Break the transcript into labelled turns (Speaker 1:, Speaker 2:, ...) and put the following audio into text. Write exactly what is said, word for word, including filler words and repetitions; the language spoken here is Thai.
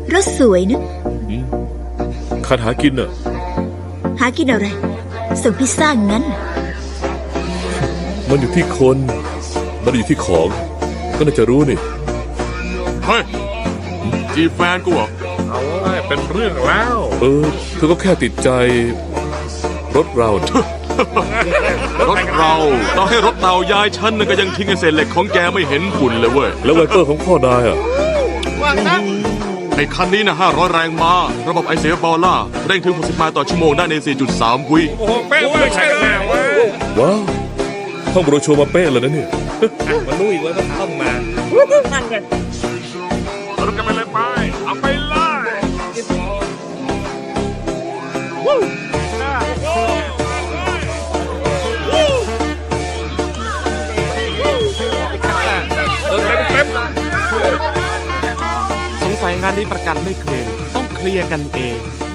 Speaker 1: รถสวยนะ
Speaker 2: คันหากินน่ะ
Speaker 1: หากินอะไร ส่งพิซซ่างั้น
Speaker 2: มันอยู่ที่คนมันอยู่ที่ของ ก็น่าจะรู้นี่
Speaker 3: เฮ้ยจีบแฟนกูเหรอ
Speaker 4: เอาไว้เป็นเรื่องแล้ว
Speaker 2: เออเธอก็แค่ติดใจ รถเราน่ะ
Speaker 3: รถเราต้องให้รถเต่ายายฉันน่ะก็ยังทิ้งไอ้เศษเหล็กของแกไม่เห็นฝุ่นเลยเว้ย
Speaker 2: แล้วไวเปอร์ของพ่อนายอ่ะ
Speaker 3: ไอ้คันนี้นะห้าร้อยแรงม้าระบบไอเสียบอลล่าเร่งถึงหกสิบไมล์ต่อชั่วโมงได้ใน สี่จุดสาม วิ
Speaker 4: โอ้โหเป๊ะเลยใช่แล้ว
Speaker 2: ว้าวท่องโบรชัวร์มาเป๊ะเลยนะเนี่ย
Speaker 4: มันรู้อีกว่าต้องต้องมานั่นไงสรุปกันไปเลยไปเอาไปเลยเออเต็ม
Speaker 5: สงสัยงานนี้ประกันไม่เคลมต้องเคลียร์กันเอง
Speaker 4: ๆ